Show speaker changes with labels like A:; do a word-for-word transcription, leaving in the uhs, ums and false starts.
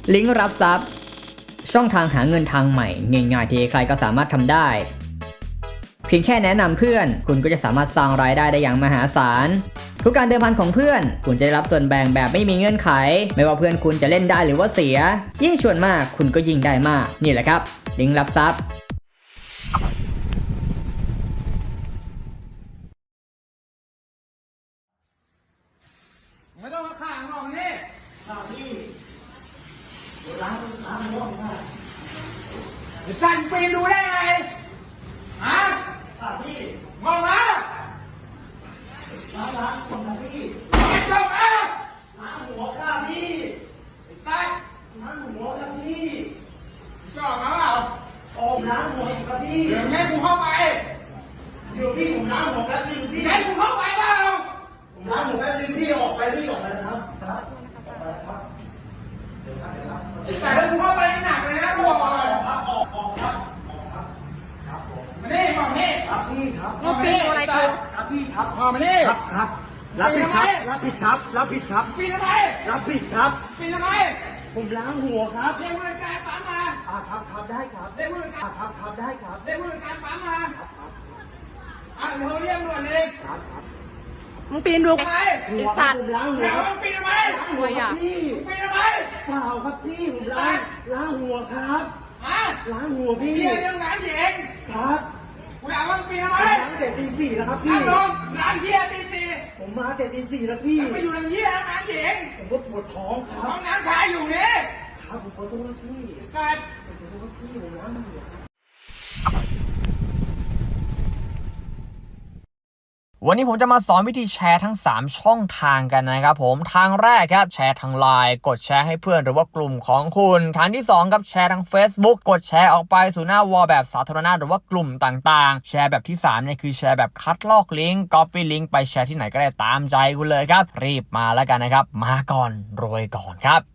A: ลิงก์รับทรัพย์ช่องทางหาเงินทางใหม่ง่ายๆที่ใครก็สามารถทำได้เพียงแค่แนะนำเพื่อนคุณก็จะสามารถสร้างรายได้ได้อย่างมหาศาลทุกการเดิมพันของเพื่อนคุณจะได้รับส่วนแบ่งแบบไม่มีเงื่อนไขไม่ว่าเพื่อนคุณจะเล่นได้หรือว่าเสียยิ่งชวนมากคุณก็ยิ่งได้มากนี่แหละครับลิงก์รับทรัพย์
B: ไม่ต้องมาข่างหรอกนี่ข่าพี่ล้างล้างรอบหน้าจะสั่นปีนดูได้ไงฮะข่าพี่มองมาล้างล้างตรงนั้นพี่ไม่จบอ่ะล้างหัวข่าพี่ไอ้สัตว์ล้างหัวข่าพี่จอบมาเปล่าออกล้างหัวอีกครับพี่เดี๋ยวแม่กูเข้าไปเดี๋ยวพี่ผมล้างหัวแป๊บนึงพี่แม่กูเข้าไปเปล่าผมล้างหัวแป๊บนึงพี่ออกไปพี่ออกไปนะครับครับครับเดี๋ยวครับเดี๋ยวครับไอ้สายแล้วกูเข้าไปหนักเลยนะกูบอกเลยครับออกออกครับออกครับครับผมมาดิมาดิครับพี่ครับ
C: งบปีนอะไรกู
B: ครับพี่ครับ
A: มาดิ
B: ครับครับรับผิดครับรับผิดครับรับผิดครับ
A: ปีนทำไม
B: รับผิดครับ
A: ปีนทำไม
B: ผมล้างหัวครับ
A: เรียกผู้จัดการปั๊มมา
B: อ่าครับครับได้ครับ
A: เรียกผู้จัดการ
B: อ่าครับครับได้ครับ
A: เรียกผู้จัดการปั๊มมา
B: ครับครับ
A: อ่ะเดี๋ยวเรียกด่วนเลย
B: ครับครับ
C: มึงปีนดู
A: ทำไม
C: ไอ้สัตว์
B: ผมล้างหัว
A: เดี๋ยว
B: ครับ
A: มึงปีนทำไม
C: หัวอ่ะ
B: พี่
A: ปีนทำไม
B: เปล่าครับพี่ผมล้างล้างหัวครับ
A: ฮะ
B: ล้างหัวพี่
A: เรียกเรื่องร้านหญิง
B: ครับ
A: กูถามว่ามึงปีนทำไม
B: ผมล้างแต่ตีสี่แล้วครับพี่
A: นั่งลงร้านเยี่ยตีสี่
B: ผมมาแต่ตีสี่แล้วพี่
A: ไปอยู่ในเยี่ยร้านหญิง
B: ผมก็ปวดท้องครั
A: ห้
B: บ
A: องน้ำชายอยู่นี่
B: ครับผมขอโทษพี่
A: สัตว์
B: ผมขอโทษพี่ผมล้างหัวครับ
D: วันนี้ผมจะมาสอนวิธีแชร์ทั้งสามช่องทางกันนะครับผมทางแรกครับแชร์ทางไลน์กดแชร์ให้เพื่อนหรือว่ากลุ่มของคุณทางที่สองครับแชร์ทาง Facebook กดแชร์ออกไปสู่หน้าวอลแบบสาธารณะหรือว่ากลุ่มต่างๆแชร์แบบที่สามเนี่ยคือแชร์แบบคัดลอกลิงก์ Copy ลิงก์ไปแชร์ที่ไหนก็ได้ตามใจคุณเลยครับรีบมาแล้วกันนะครับมาก่อนรวยก่อนครับ